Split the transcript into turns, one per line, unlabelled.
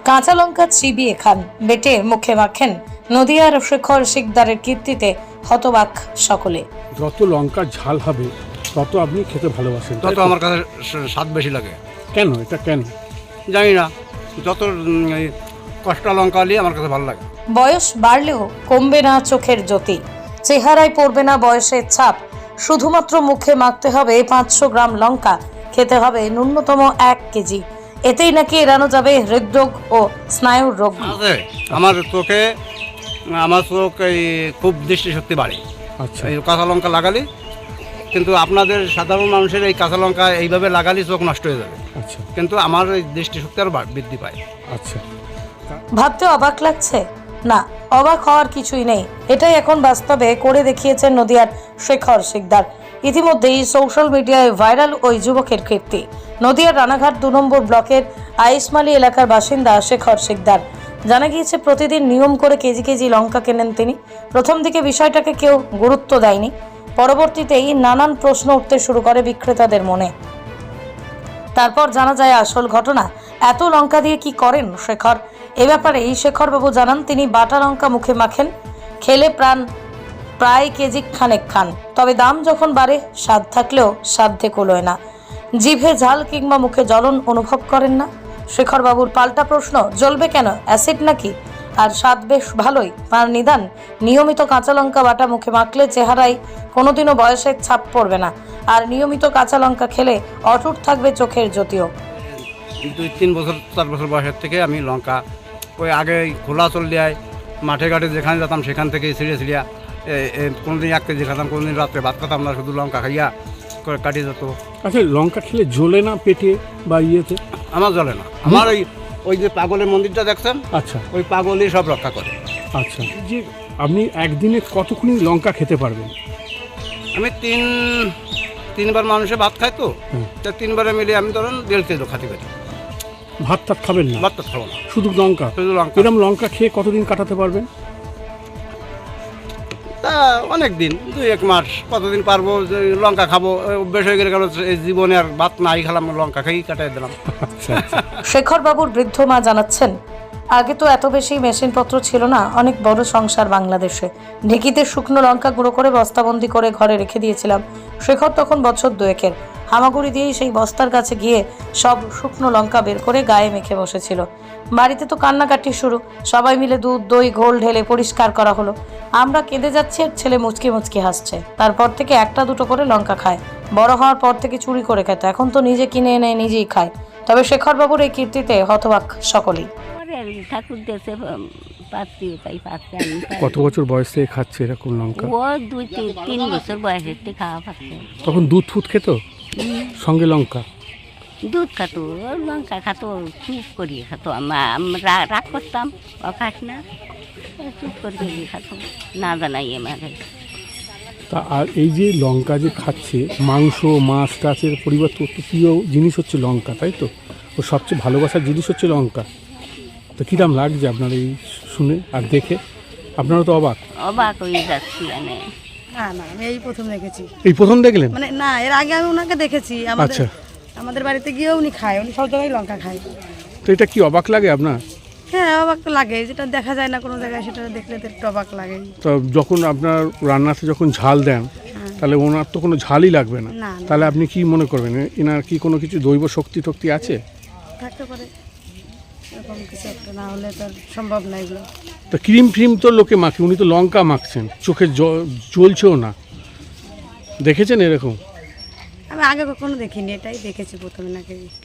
কাঁচা লঙ্কা চিবিয়ে খান, বেটে মুখে মাখেন। নদিয়ার শেখর শিকদারের কীর্তিতে হতবাক সকলে।
যত লঙ্কার ঝাল হবে তত আপনি খেতে ভালোবাসেন,
তত আমার কাছে স্বাদ বেশি লাগে।
কেন এটা কেন
জানি না, যত কষ্টা লঙ্কা নিয়ে আমার কাছে ভালো লাগে।
বয়স বাড়লেও কমবে না চোখের জ্যোতি, চেহারায় পড়বে না বয়সের ছাপ। শুধুমাত্র মুখে মাখতে হবে 500 গ্রাম লঙ্কা, খেতে হবে ন্যূনতম 1 কেজি। এতেই নাকি এড়ানো যাবে হৃদরোগ ও স্নায়ুর রোগ।
আছে আমার চোখ এই খুব দৃষ্টিশক্তি বাড়ে।
আচ্ছা,
এই কাঁচা লঙ্কা লাগালে, কিন্তু আপনাদের সাধারণ মানুষের এই কাঁচা লঙ্কা এইভাবে লাগালে চোখ নষ্ট হয়ে যাবে,
আচ্ছা,
কিন্তু আমার এই দৃষ্টিশক্তি আরও বৃদ্ধি পায়।
আচ্ছা।
ভাবতে অবাক লাগছে? না, অবাক হওয়ার কিছুই নেই। এটাই এখন বাস্তবে করে দেখিয়েছেন নদিয়ার শেখর শিকদার। ইতিমধ্যেই সোশ্যাল মিডিয়ায় ভাইরাল ওই যুবকের কীর্তি। নদিয়ার রানাঘাট 2 নম্বর ব্লকের আইসমালি এলাকার বাসিন্দা শেখর শিকদার। জানা গিয়েছে প্রতিদিন নিয়ম করে কেজি কেজি লঙ্কা কেনেন তিনি। প্রথম দিকে বিষয়টাকে কেউ গুরুত্ব দেয়নি, পরবর্তীতেই নানান প্রশ্ন উঠতে শুরু করে বিক্রেতাদের মনে। তারপর জানা যায় আসল ঘটনা। এত লঙ্কা দিয়ে কি করেন শেখর? এ ব্যাপারে এই শেখর বাবু জানান, তিনি বাটা লঙ্কা মুখে মাখেন, খেলে প্রায় কেজি খানেক খান। তবে দাম যখন বাড়ে, স্বাদ থাকলেও সাধ্যে কুলোয় না। জিভে ঝাল কিংবা মুখে জ্বলন অনুভব করেন না। শেখর বাবুর পাল্টা প্রশ্ন, জ্বলবে কেন? অ্যাসিড নাকি? আর স্বাদ বেশ ভালোই। তার নিদান, নিয়মিত কাঁচা লঙ্কা বাটা মুখে মাখলে চেহারায় কোনোদিনও বয়সের ছাপ পড়বে না। আর নিয়মিত কাঁচা লঙ্কা খেলে অটুট থাকবে চোখের জ্যোতিও।
2-3 বছর 4 বছর বয়সের থেকে আমি লঙ্কা ওই আগে খোলা চল দেয় মাঠে ঘাটে যেখানে যেতাম সেখান থেকে ছিঁড়িয়া কোনোদিন 1 কেজি খেতাম, কোনোদিন রাত্রে ভাত খেতাম না, শুধু লঙ্কা খাইয়া করে কাটিয়ে যেত।
আচ্ছা, লঙ্কা খেলে জ্বলে না পেটে বা ইয়েতে?
আমার জ্বলে না। আমার ওই যে পাগলের মন্দিরটা দেখছেন,
আচ্ছা,
ওই পাগলই সব রক্ষা করে।
আচ্ছা। যে আপনি একদিনে কতক্ষণ লঙ্কা খেতে পারবেন?
আমি তিনবার মানুষে ভাত খাই তো,
হুম।
তা 3বারে মিলে আমি ধরুন 1.5 কেজি খাতে পারি।
ভাত টাত খাবেন না?
ভাত তো খাবো না,
শুধু লঙ্কা?
শুধু লঙ্কা।
এরকম লঙ্কা খেয়ে কতদিন কাটাতে পারবেন?
তা অনেক দিন, 2-1 মাস, কতদিন পারবো। যে লঙ্কা খাবো অভ্যেস হয়ে গেলে, কারণ এই জীবনে আর ভাত নাই খেলাম, লঙ্কা খাই কাটাই দিলাম।
আচ্ছা, আচ্ছা।
শেখর বাবুর বৃদ্ধ মা জানাচ্ছেন, আগে তো এত বেশি মেশিনপত্র ছিল না, অনেক বড় সংসার বাংলাদেশে। ঢেঁকিতে শুকনো লঙ্কা গুঁড়ো করে বস্তাবন্দি করে ঘরে রেখে দিয়েছিলাম। শেখর তখন বছর 2-এর। হামাগুড়ি দিয়েই সেই বস্তার কাছে গিয়ে সব শুকনো লঙ্কা বের করে গায়ে মেখে বসেছিল। বাড়িতে তো কান্নাকাটি শুরু। সবাই মিলে দুধ দই ঘোল ঢেলে পরিষ্কার করা হলো। আমরা কেঁদে যাচ্ছি আর ছেলে মুচকি মুচকি হাসছে। তারপর থেকে 1-2 করে লঙ্কা খায়। বড় হওয়ার পর থেকে চুরি করে খেত, এখন তো নিজে কিনে এনে নিজেই খায়। তবে শেখর বাবুর এই কীর্তিতে হতবাক সকলেই।
ঠাকুর দেশে পাচ্ছি, তাই পাচ্ছি আমি।
কত বছর বয়স থেকে খাচ্ছে এরকম লঙ্কা?
ও 2-3 বছর বয়সের থেকে খাওয়া পাচ্ছে।
তখন দুধ ফুট খেত সঙ্গে লঙ্কা?
দুধ খাতো, লঙ্কা খাতো, চুপ করিয়ে খাতো। আমরা রাগ করতাম, ও খাস না, চুপ করিয়ে খাতো, না জানাই আমাকে।
তা আর এই যে লঙ্কা যে খাচ্ছে, মাংস মাছ টাচের পরিবর্তে অত প্রিয় জিনিস হচ্ছে লঙ্কা, তাই তো? ও সবচেয়ে ভালোবাসার জিনিস হচ্ছে লঙ্কা। তো কিরম লাগছে আপনার এই শুনে আর দেখে? আপনারা তো অবাক
হয়ে যাচ্ছি মানে।
না না, আমি এই প্রথম দেখেছি।
এই প্রথম দেখলেন?
মানে না, এর আগে আমি ওনাকে দেখেছি।
আচ্ছা।
আমাদের বাড়িতে গিয়েও উনি খায়, উনি সব জায়গায় লঙ্কা খায়।
তো এটা কি অবাক লাগে আপনার?
হ্যাঁ, অবাক তো লাগে, যেটা দেখা যায় না কোনো জায়গায়, সেটা দেখলে তো একটু অবাক লাগে।
তো যখন আপনার রান্নাতে যখন ঝাল দেন, তাহলে ওনার তো কোনো ঝালই লাগবে না।
না, না।
তাহলে আপনি কি মনে করবেন, এনার কি কোনো কিছু দৈব শক্তি টক্তি আছে?
থাকতে পারে এরকম কিছু একটা, না হলে তো আর সম্ভব না এগুলো।
তো ক্রিম ফ্রিম তো লোকে মাখে, উনি তো লঙ্কা মাখছেন, চোখে জ্বলছেও না। দেখেছেন এরকম?
আমি আগে কখনো দেখিনি, এটাই দেখেছি প্রথমে নাকি।